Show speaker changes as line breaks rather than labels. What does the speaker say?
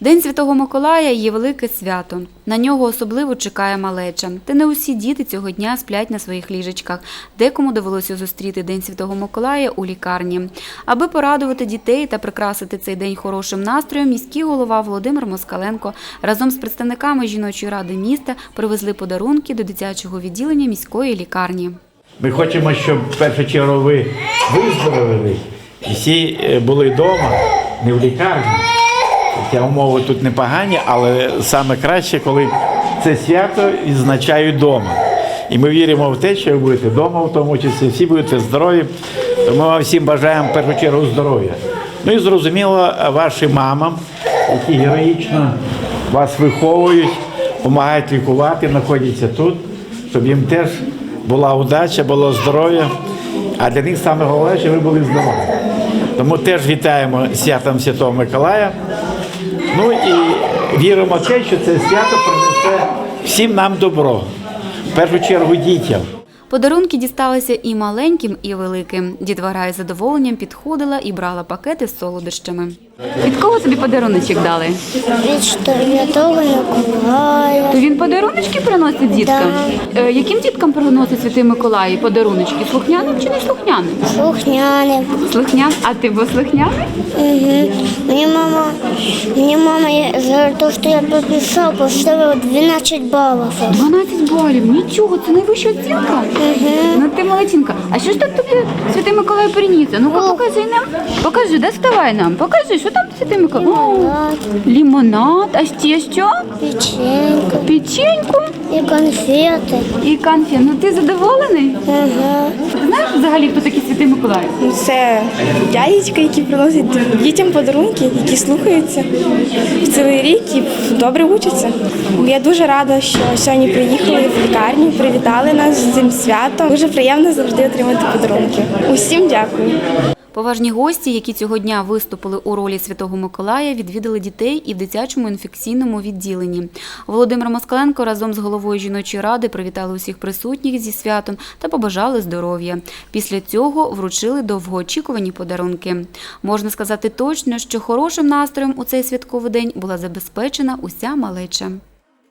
День Святого Миколая є велике свято. На нього особливо чекає малеча. Та не усі діти цього дня сплять на своїх ліжечках. Декому довелося зустріти День Святого Миколая у лікарні. Аби порадувати дітей та прикрасити цей день хорошим настроєм, міський голова Володимир Москаленко разом з представниками жіночої ради міста привезли подарунки до дитячого відділення міської лікарні.
Ми хочемо, щоб в першу чергу ви виздоровили і всі були вдома, не в лікарні. Хоча умови тут непогані, але саме краще, коли це свято відзначають вдома. І ми віримо в те, що ви будете вдома, в тому числі, всі будете здорові. Тому ми вам всім бажаємо в першу чергу здоров'я. Ну і зрозуміло, вашим мамам, які героїчно вас виховують, допомагають лікувати, знаходяться тут, щоб їм теж була удача, було здоров'я. А для них саме головне, щоб ви були здорові. Тому теж вітаємо святом Святого Миколая. Ну і віримо в те, що це свято принесе всім нам добро. В першу чергу дітям.
Подарунки дісталися і маленьким, і великим. Дітвора із задоволенням підходила і брала пакети з солодощами. Від кого тобі подаруночок дали?
Від Святого Миколая.
То він подаруночки приносить діткам? Яким діткам приносить Святий Миколай подаруночки? Слухняним чи не слухняним?
Слухняним.
Слухняним. А ти був слухняний?
Угу. Мені мама за те, що я підписав, поставила 12 балів.
12 балів. Нічого, це найвища оцінка. Ну ти молодчинка. А що ж так тобі Святий Миколай приніс? Ну-ка покажи нам. Покажи, доставай нам. Покажи, що там Святий Миколай?
Лимонад.
Лимонад. А ще що?
Печеньку.
Печеньку.
І конфети.
І конфет. Ну ти задоволений?
Ага.
Ти знаєш взагалі, хто такий Святий Миколай?
Це дядечка, які приносять дітям подарунки, які слухаються в цілий рік і добре учаться. Я дуже рада, що сьогодні приїхали в лікарню, привітали нас з цим святом. Дуже приємно завжди отримати подарунки. Усім дякую.
Поважні гості, які цього дня виступили у ролі Святого Миколая, відвідали дітей і в дитячому інфекційному відділенні. Володимир Москаленко разом з головою жіночої ради привітали усіх присутніх зі святом та побажали здоров'я. Після цього вручили довгоочікувані подарунки. Можна сказати точно, що хорошим настроєм у цей святковий день була забезпечена уся малеча.